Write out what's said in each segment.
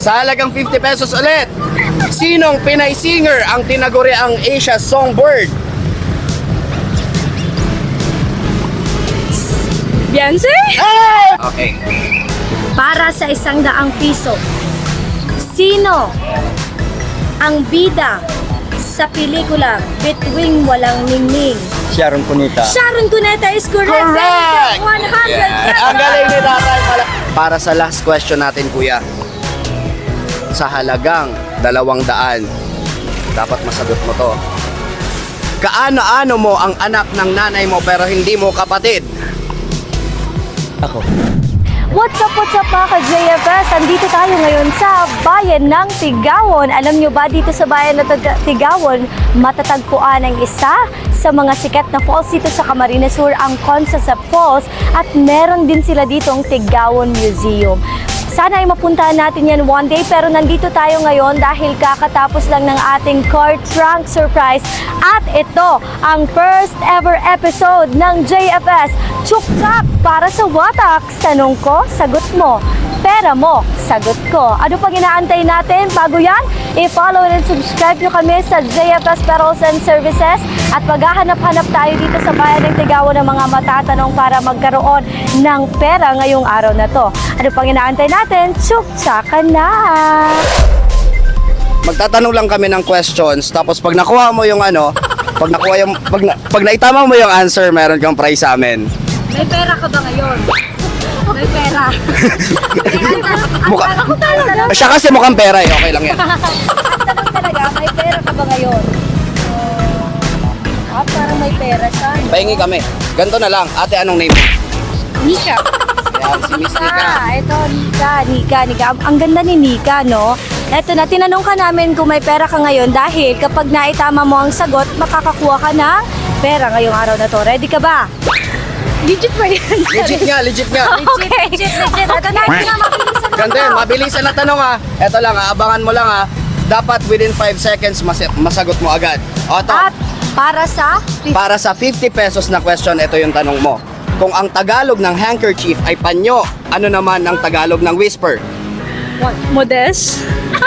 Sa halagang 50 pesos ulit, sinong Pinay singer ang tinaguri ang Asia Songbird? Beyonce? Okay. Para sa 100 piso, sino ang bida sa pelikula Between Walang Ningning? Sharon Cuneta. Sharon Cuneta is correct. Correct! 100 pesos. Ang galing ni Tatay pala. Para sa last question natin, kuya. Sa halagang 200, dapat masagot mo to. Kaano-ano mo ang anak ng nanay mo pero hindi mo kapatid? Ako. What's up mga ka-JFS? Andito tayo ngayon sa bayan ng Tigawon. Alam nyo ba, dito sa bayan ng Tigawon, matatagpuan ang isa sa mga sikat na falls dito sa Camarines Sur, ang Consasap Falls, at meron din sila ditong Tigawon Museum. Sana ay mapuntahan natin yan one day, pero nandito tayo ngayon dahil kakatapos lang ng ating car trunk surprise. At ito ang first ever episode ng JFS Chukchak para sa Watak. Tanong ko, sagot mo. Pera mo, sagot ko. Ano pang inaantay natin? Bago yan, i-follow and subscribe nyo kami sa JFS Perals and Services at maghahanap-hanap tayo dito sa bayan ng Tigawon ng mga matatanong para magkaroon ng pera ngayong araw na to. Ano pang inaantay natin? Tsuktsakan na! Magtatanong lang kami ng questions, tapos pag nakuha mo yung ano, pag naitama mo yung answer, meron kang prize sa amin. May pera ka ba ngayon? May pera. Mukha- Ako talaga. Siya kasi mukhang pera eh, okay lang yan. Tanong talaga, may pera ka ba ngayon? Parang may pera siya. Pahingi kami. Ganito na lang. Ate, anong name mo? Nika. Yan, si Miss Nika. Ito, Nika. Ang ganda ni Nika, no? Ito na, tinanong ka namin kung may pera ka ngayon dahil kapag naitama mo ang sagot, makakakuha ka ng pera ngayong araw na to. Ready ka ba? Legit ba yan? Legit nga. Okay. Legit. Ito na, mabilisan na. Ganda yun, mabilisan na tanong ha. Ito lang ha, abangan mo lang ha. Dapat within 5 seconds masagot mo agad. O ito, At para sa para sa 50 pesos na question, ito yung tanong mo. Kung ang Tagalog ng handkerchief ay panyo, ano naman ang Tagalog ng whisper? Modest?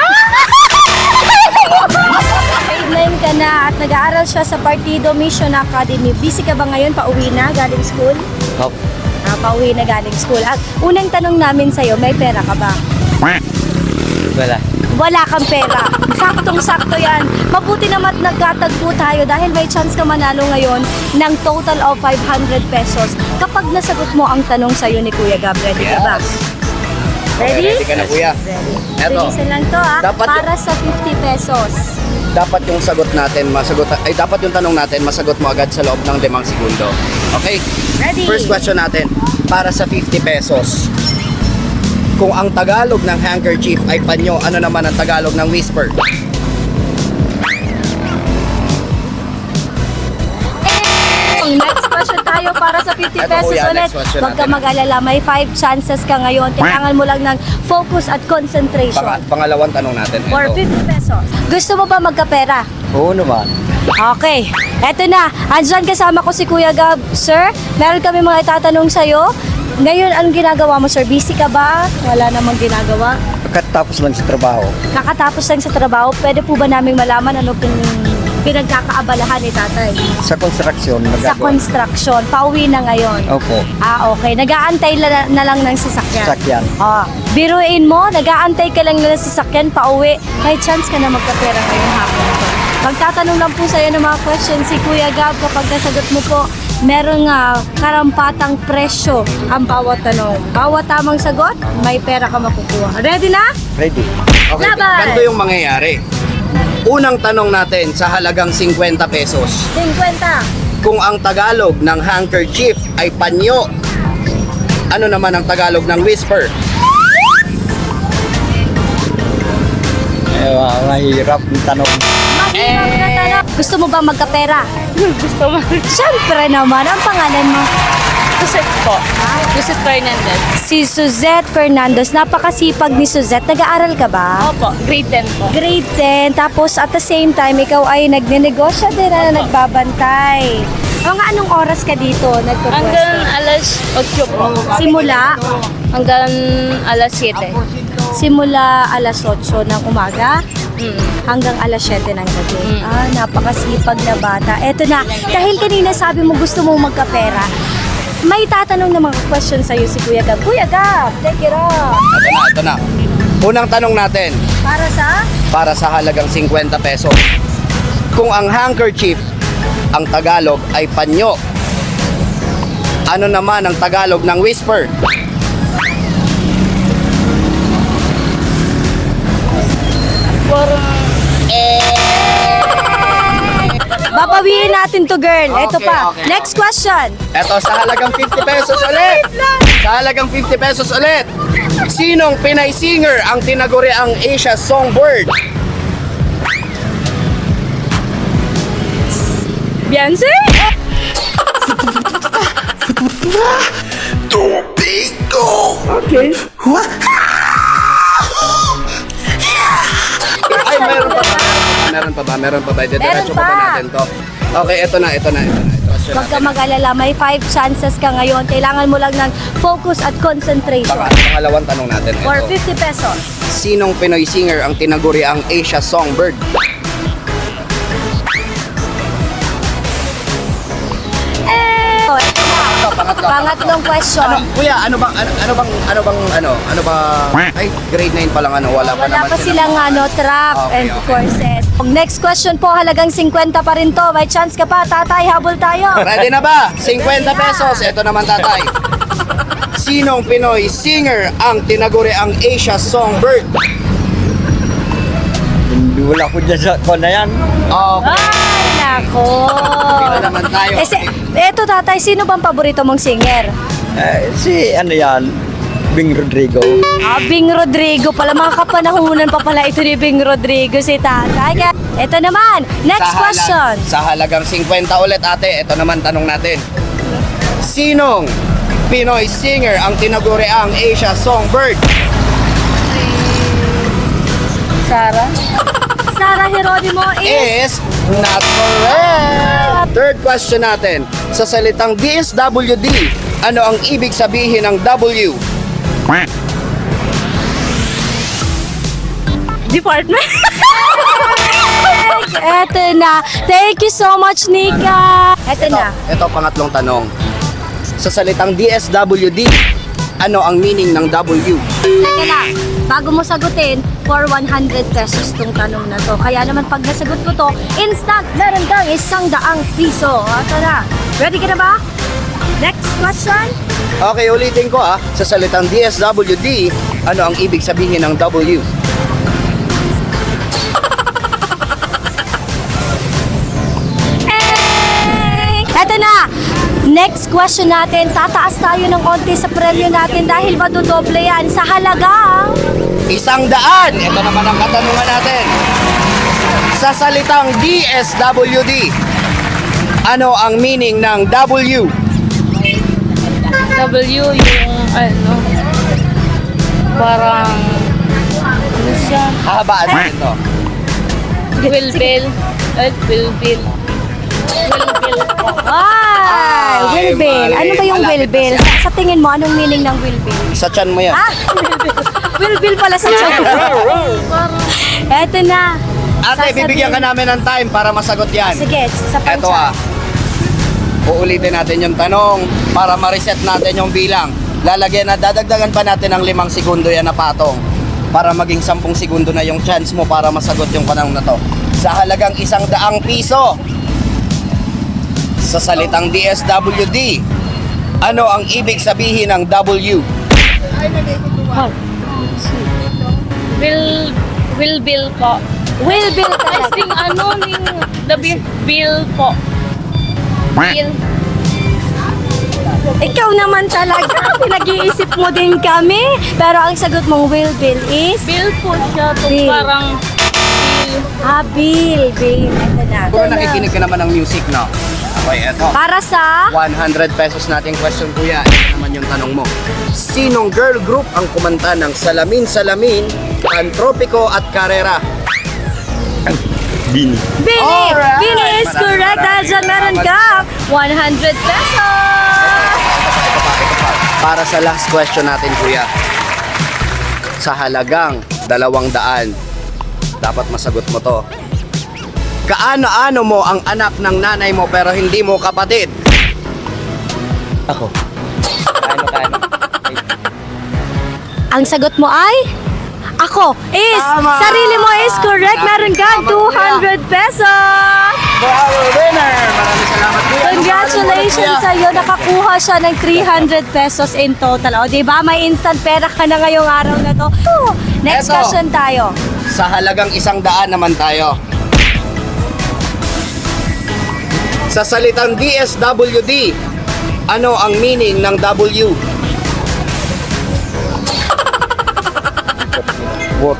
grade 9 ka na at nag-aaral siya sa Partido Mission Academy. Busy ka ba ngayon? Pauwi na galing school? Opo. Pauwi na galing school. At unang tanong namin sa'yo, may pera ka ba? Wala. Wala kang pera. Saktong-sakto yan. Mabuti naman nagkatagpo tayo dahil may chance ka manalo ngayon ng total of 500 pesos kapag nasagot mo ang tanong sa'yo ni Kuya Gab. Ready ka ba? Ready? Ready ka na kuya? Eto, Bilisan lang to ha. Dapat Para sa 50 pesos. dapat yung sagot natin, dapat yung tanong natin, masagot mo agad sa loob ng 5 segundo. Okay? Ready? First question natin, para sa 50 pesos. Kung ang Tagalog ng handkerchief ay panyo, ano naman ang Tagalog ng whisper? Next question tayo para sa 50 Eto, pesos kuya, ulit. next question Huwag ka natin. mag-alala, may 5 chances ka ngayon. Kailangan mo lang ng focus at concentration. Pangalawang tanong natin. For Ito. 50 pesos. Gusto mo ba magkapera? Oo naman. Okay, eto na. Andyan kasama ko si Kuya Gab. Sir, meron kami mga itatanong sa'yo. Ngayon, anong ginagawa mo, sir? Busy ka ba? Wala namang ginagawa. Pagkatapos lang sa trabaho. Kakatapos lang sa trabaho, pwede po ba naming malaman ano pinagkakaabalahan ni tatay? Sa construction, Sa nagagawa. construction, pauwi na ngayon. Opo. Okay. Nag-aantay na lang ng sasakyan. Sakyan. Biruin mo, nag-aantay ka lang ng sasakyan, pauwi. May chance ka na magkapera ngayong hapon na to. Magtatanong lang po sa'yo ng mga questions si Kuya Gab. Kapag nasagot mo po, merong karampatang presyo ang bawat tanong. Bawat tamang sagot, may pera ka makukuha. Ready na? Ready. Okay, Laban! ganito yung mangyayari. Unang tanong natin sa halagang 50 pesos. 50. Kung ang Tagalog ng handkerchief ay panyo, ano naman ang Tagalog ng whisper? Mahirap yung tanong. Mahirap na tanong. Gusto mo ba magkapera? Gusto mo? Siyempre naman, ang pangalan mo. Suzette po. Suzette Fernandez. Si Suzette Fernandez. Napakasipag ni Suzette. Nag-aaral ka ba? Opo, grade 10 po. Grade 10. Tapos at the same time, ikaw ay nagnenegosyo din na nagbabantay. Mga anong oras ka dito Hanggang nagpupwesto? alas 8 po. Simula? Hanggang alas 7. Simula alas 8 ng umaga Mm. hanggang alas 7 ng gabi. Mm. Napakasipag na bata. Eto na, dahil kanina sabi mo gusto mo magkapera, may tatanong na mga question sa'yo si Kuya Gab. Kuya Gab, take it off. Ito na. Unang tanong natin, Para sa? para sa halagang 50 pesos. Kung ang handkerchief, ang Tagalog ay panyo, ano naman ang Tagalog ng whisper? Babawiin natin to, girl. Ito Okay, pa. okay, Next question. Eto, sa halagang 50 pesos ulit. Sa halagang 50 pesos ulit. Sinong Pinay singer ang tinaguriang Asia Songbird? Beyonce? Ay, meron pa ba? Diretso pa ba pa. natin to? Okay, ito na. Question Huwag ka natin. mag-alala. May 5 chances ka ngayon. Kailangan mo lang ng focus at concentration. Pangalawang tanong natin. For Ito. 50 pesos. Sinong Pinoy singer ang tinaguriang Asia Songbird? Ito na. Pangatlong question. Kuya, ano bang ay grade 9 pa lang wala pa Wala naman pa silang trap Okay, and okay. courses. Next question po, halagang 50 pa rin to. May chance ka pa, tatay, habol tayo. Ready na ba? 50 pesos. Ito naman, tatay. Sinong Pinoy singer ang tinaguriang Asia Songbird? Hindi wala ko dyan sa ko na yan. Okay. Ay, nako. Dito naman tayo. Eto tatay, sino bang paborito mong singer? Si ano yan, Bing Rodrigo. Bing Rodrigo pala, mga kapanahunan pa pala ito ni Bing Rodrigo si tatay. Kaya, eto naman, next question. Sa halagang 50 ulit, ate. Ito naman tanong natin. Sinong Pinoy singer ang tinaguriang Asia Songbird? Sarah? Sarah Geronimo is... Is not correct. Third question natin. Sa salitang DSWD, ano ang ibig sabihin ng W? Department? Eto na. Thank you so much, Nika. Eto na. Ito pangatlong tanong. Sa salitang DSWD, ano ang meaning ng W? Teka lang, bago mo sagutin, for 100 pesos tong tanong na to. Kaya naman pag nasagot mo to, instant, meron kang 100 piso. Ito na. Ready ka na ba? Next question. Okay, ulitin ko Sa salitang DSWD, ano ang ibig sabihin ng W? Eto na. Next question natin, tataas tayo ng konti sa premyo natin dahil madodoble yan sa halagang 100! Ito naman ang katanungan natin. Sa salitang DSWD, ano ang meaning ng W? W yung parang ano siya? Hahabaan natin to. Wilbil. Wilbil. Wilbil po. Ay, Wilbil. Ano ba yung Malapit na Wilbil? siya. Sa tingin mo, anong meaning ng Wilbil? Sa tiyan mo yan. Wilbil pala sa tiyan. Eto na. Ate, Sasabihin- bibigyan ka namin ng time para masagot yan. Sige, sa Eto Uulitin natin yung tanong para ma-reset natin yung bilang. Dadagdagan pa natin ng 5 segundo yan na patong para maging 10 segundo na yung chance mo para masagot yung tanong na to. Sa halagang 100 piso, sa salitang DSWD, ano ang ibig sabihin ng W? Wilbil po. Wilbil I talaga. think the bill po. Bill. Ikaw naman talaga. Pinag-iisip mo din kami. Pero ang sagot mong Wilbil is... Bill po siya. Bill. Parang bill. Bill. Eto na. Kung nakikinig ka naman ng music, no? Okay, eto. Para sa... 100 pesos nating question, kuya. Ito naman yung tanong mo. Sinong girl group ang kumanta ng Salamin Salamin, Antropiko at Carrera? Bini. Bini! Alright! Bini is correct. Dahil dyan meron ka 100 pesos! Para sa last question natin, kuya. Sa halagang 200, dapat masagot mo to. Kaano-ano mo ang anak ng nanay mo pero hindi mo kapatid? Ako. Kano. Ang sagot mo ay? Ako is, Tama! sarili mo is correct. Meron kang 200 pesos. For our winner! Maraming salamat, kuya. Congratulations sa iyo. Nakakuha siya ng 300 pesos in total. O, diba? May instant pera ka na ngayong araw na to. Next Eto. question tayo. Sa halagang 100 naman tayo. Sa salitang DSWD, ano ang meaning ng W? What?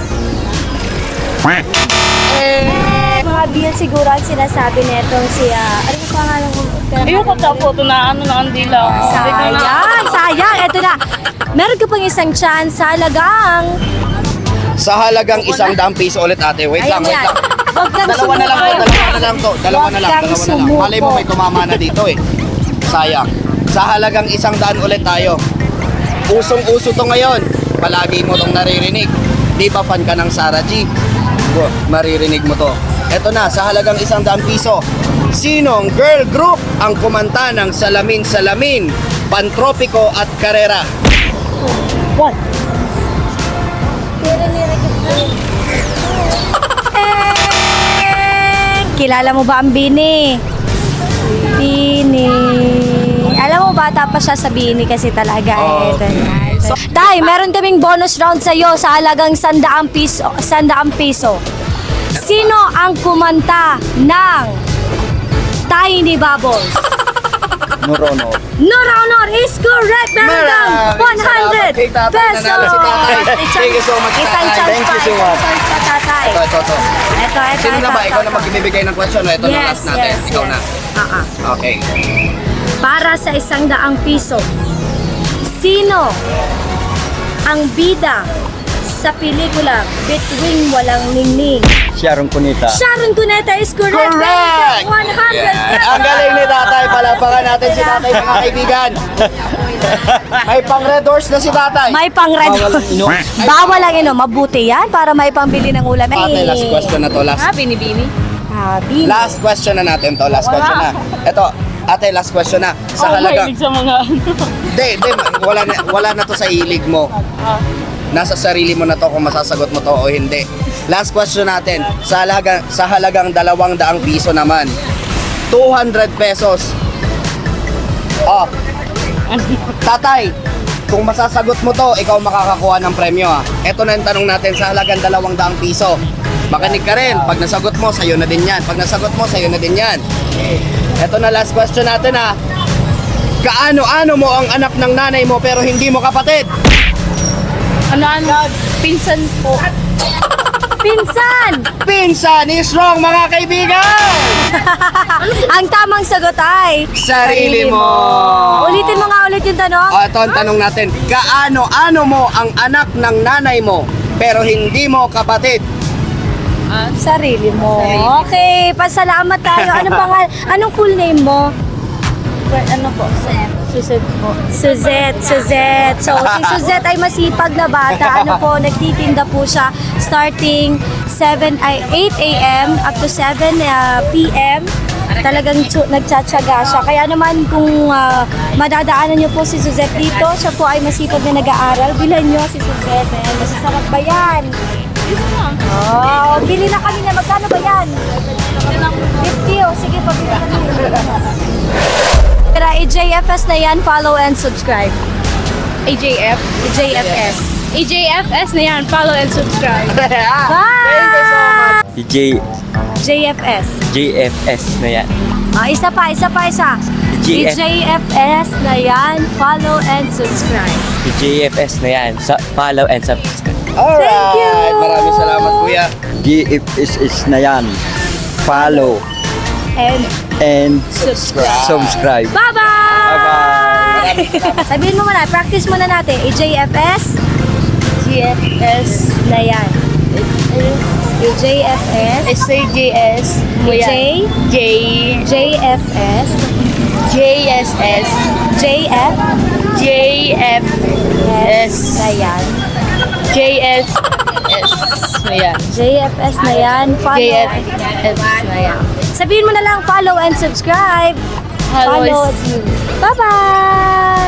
Mga bill siguro ang sinasabi netong si, ano yung pangalan ko? Ayoko sa photo na ano na ang dila. Sayang. Ito na. Meron ka pang isang chance sa halagang. Sa halagang 100 piso ulit, ate. Wait lang. Huwag kang Dalawa na lang to. Dalawa na lang. sumuko. Malay mo may tumama na dito eh. Sayang. Sa halagang 100 ulit tayo. Usong-uso to ngayon. Palagi mo tong naririnig. Di ba fan ka ng Sarah G? Maririnig mo to. Eto na, sa halagang 100 piso. Sinong girl group ang kumanta ng Salamin Salamin, Pantropiko at Karera? What? Kilala mo ba ang Bini? Bini. Alam mo, bata pa siya sa Bini kasi talaga. Oh, Eh. Tay, meron kaming bonus round sa iyo sa halagang 100 piso. 100 piso. Sino ang kumanta ng Tiny Bubbles? Norono. Honor is correct. Meron kang 100 Kay tatay, pesos. nanalo si tatay. Thank you so much, Isang tatay. chance Thank pa. you so Isang much. chance pa, tatay. Ito. Ito. Sino na ba? Ikaw na magbibigay ng question o ito na last natin? Ikaw na. Okay. Para sa 100 piso, sino ang bida sa pelikula Between Walang Ningning? Sharon Cuneta. Sharon Cuneta is correct. Correct! 100 Yeah. Ang galing ni tatay. Palapakan natin si tatay, mga kaibigan. May pang red horse na si tatay. May pang red. Bawal ang inom. Bawal ang inom. Mabuti yan para may pambili ng ulam. Ate, last question na to. Ha, binibini? Bini. Last question na natin to. Last question na. Ito, ate, last question na. Sa halagang... Mahilig sa mga ano. Hindi, wala na to sa hilig mo. Nasa sarili mo na to kung masasagot mo to o hindi. Last question natin. Sa halagang 200 piso naman. 200 pesos. Oh. Tatay, kung masasagot mo to, ikaw makakakuha ng premyo ha. Ito na yung tanong natin sa halagang 200 piso. Makinig ka rin. Pag nasagot mo, sa'yo na din yan. Pag nasagot mo, sa'yo na din yan. Ito na last question natin ha. Kaano-ano mo ang anak ng nanay mo pero hindi mo kapatid? Ano? Pinsan po. Pinsan! Pinsan is wrong, mga kaibigan! Ang tamang sagot ay... Sarili mo! Ulitin mo nga ulit yung tanong. O, ito ang tanong natin. Kaano-ano mo ang anak ng nanay mo pero hindi mo kapatid? Sarili mo. Okay, pasalamat tayo. Anong full name mo? Ano po? Suset po. Suzette. So, si Suzette ay masipag na bata. Ano po, nagtitinda po siya starting 8 a.m. up to 7 p.m. Talagang nagtsatsaga siya. Kaya naman kung madadaanan niyo po si Suzette dito, siya po ay masipag na nag-aaral. Bilhan niyo si Suzette. Ayan, masasarap ba yan? Oh, bili na kami na. Magkano ba yan? 50. Oh, sige, pabili kami. Tara, EJFS na yan. Follow and subscribe. AJF? EJFS. AJFS na yan. Follow and subscribe. Thank you so much. JFS. JFS na yan. Isa pa. EJFS na yan. Follow and subscribe. JFS na yan. Follow and subscribe. Alright. Thank you. Maraming salamat, kuya. JFS na yan. Follow And and Subscribe. subscribe. bye-bye! Sabihin mo muna, practice muna natin. EJFS. GFS. Na yan. EJFS. SJS. JFS. JSS. JF. JFS. na yan. JSS na yan. JFS na yan. Follow. JFS na yan. Sabihin mo na lang, follow and subscribe. Follow Follow. Bye-bye!